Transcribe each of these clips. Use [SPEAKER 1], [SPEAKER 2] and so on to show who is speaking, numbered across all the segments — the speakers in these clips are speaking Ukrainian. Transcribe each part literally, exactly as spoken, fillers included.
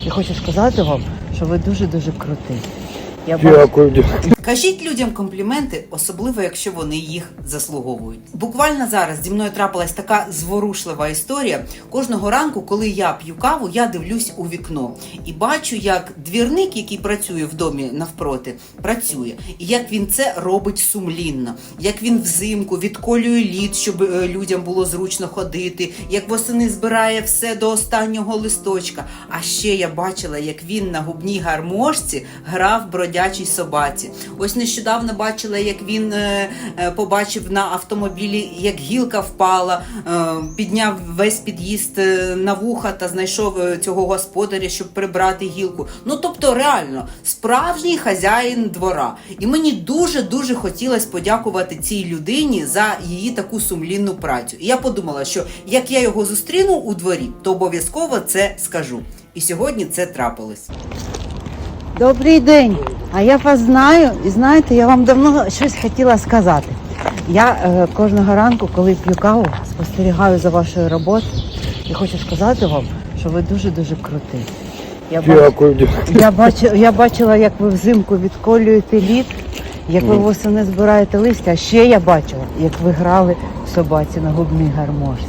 [SPEAKER 1] Я хочу сказати вам, що ви дуже-дуже крутий. Я
[SPEAKER 2] Дякую.
[SPEAKER 3] Кажіть людям компліменти, особливо якщо вони їх заслуговують. Буквально зараз зі мною трапилась така зворушлива історія. Кожного ранку, коли я п'ю каву, я дивлюсь у вікно і бачу, як двірник, який працює в домі навпроти, працює. І як він це робить сумлінно. Як він взимку відколює лід, щоб е, людям було зручно ходити. Як восени збирає все до останнього листочка. А ще я бачила, як він на губній гармошці грав бродячій собаці. Ось нещодавно бачила, як він е, е, побачив на автомобілі, як гілка впала, е, підняв весь під'їзд е, на вуха та знайшов е, цього господаря, щоб прибрати гілку. Ну, тобто, реально, справжній хазяїн двора. І мені дуже-дуже хотілося подякувати цій людині за її таку сумлінну працю. І я подумала, що як я його зустріну у дворі, то обов'язково це скажу. І сьогодні це трапилось.
[SPEAKER 1] Добрий день. А я вас знаю, і знаєте, я вам давно щось хотіла сказати. Я е, кожного ранку, коли п'ю каву, спостерігаю за вашою роботою і хочу сказати вам, що ви дуже-дуже крутий. Я,
[SPEAKER 2] Дякую.
[SPEAKER 1] бач... я, бач... я бачила, як ви взимку відколюєте лід, як ви восени збираєте листя, а ще я бачила, як ви грали в собаці на губній гармошці.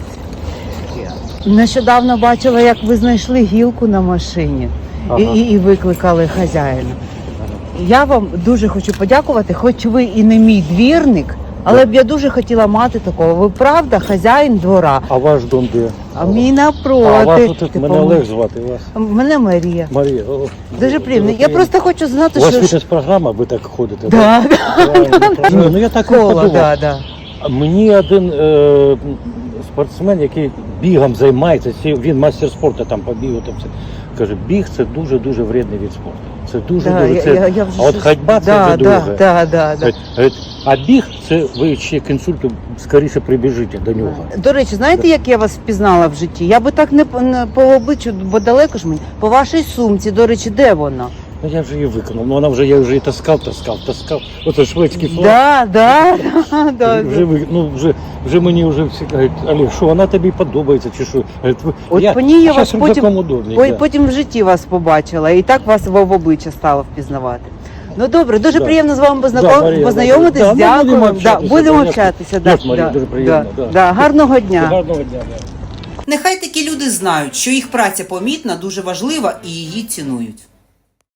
[SPEAKER 1] Нещодавно бачила, як ви знайшли гілку на машині. Ага. І, і, і викликали хазяїна. Я вам дуже хочу подякувати, хоч ви і не мій двірник, але б я дуже хотіла мати такого. Ви правда хазяїн двора.
[SPEAKER 2] А ваш дом де?
[SPEAKER 1] А мій напроти.
[SPEAKER 2] А вас тут,
[SPEAKER 1] типу,
[SPEAKER 2] мене Олег звати, вас?
[SPEAKER 1] Мене Марія.
[SPEAKER 2] Марія. О,
[SPEAKER 1] Дуже приємно. Я просто хочу знати,
[SPEAKER 2] у вас
[SPEAKER 1] що...
[SPEAKER 2] фітнес-програма, ви так ходите?
[SPEAKER 1] Да,
[SPEAKER 2] да? Ну, ну я так і
[SPEAKER 1] Кола,
[SPEAKER 2] подумав.
[SPEAKER 1] да, да.
[SPEAKER 2] Мені один е, спортсмен, який бігом займається, він мастер спорту там побігав, там все, каже, біг це дуже-дуже вредний від спорту. Це дуже,
[SPEAKER 1] Да,
[SPEAKER 2] дуже, це,
[SPEAKER 1] я, я вже
[SPEAKER 2] а от
[SPEAKER 1] щось-
[SPEAKER 2] ходьба це
[SPEAKER 1] да,
[SPEAKER 2] вже
[SPEAKER 1] да,
[SPEAKER 2] друге.
[SPEAKER 1] да, да, да.
[SPEAKER 2] Говорить, а біг це ви ще к інсульту скоріше прибіжите до нього.
[SPEAKER 1] До речі, знаєте, як я вас впізнала в житті? Я би так не по, не по обличчю, бо далеко ж мені. По вашій сумці, до речі, де вона?
[SPEAKER 2] Ну я вже її виконав, ну вона вже, я вже її таскав, таскав, таскав. Оце шведський флаг.
[SPEAKER 1] Да, да, да, да.
[SPEAKER 2] Вже, ви- ну, вже, вже мені вже всі кажуть, Олег, що вона тобі подобається, чи що? Говорить, ви-
[SPEAKER 1] От по ній я вас
[SPEAKER 2] щас
[SPEAKER 1] потім,
[SPEAKER 2] рюкзаком удобний,
[SPEAKER 1] по-
[SPEAKER 2] да.
[SPEAKER 1] потім в житті вас побачила, і так вас в обличчя стало впізнавати. Ну добре, дуже
[SPEAKER 2] Да.
[SPEAKER 1] приємно з вами
[SPEAKER 2] Да,
[SPEAKER 1] познаком...
[SPEAKER 2] Марія,
[SPEAKER 1] познайомитись,
[SPEAKER 2] да, да, ми будемо
[SPEAKER 1] дякую. Да,
[SPEAKER 2] общатися,
[SPEAKER 1] будемо
[SPEAKER 2] конечно.
[SPEAKER 1] общатися. Да,
[SPEAKER 2] Дякую, Марія,
[SPEAKER 1] да,
[SPEAKER 2] дуже приємно,
[SPEAKER 1] да,
[SPEAKER 2] да.
[SPEAKER 1] да. Гарного дня.
[SPEAKER 2] Гарного дня, да.
[SPEAKER 3] Нехай такі люди знають, що їх праця помітна, дуже важлива і її цінують.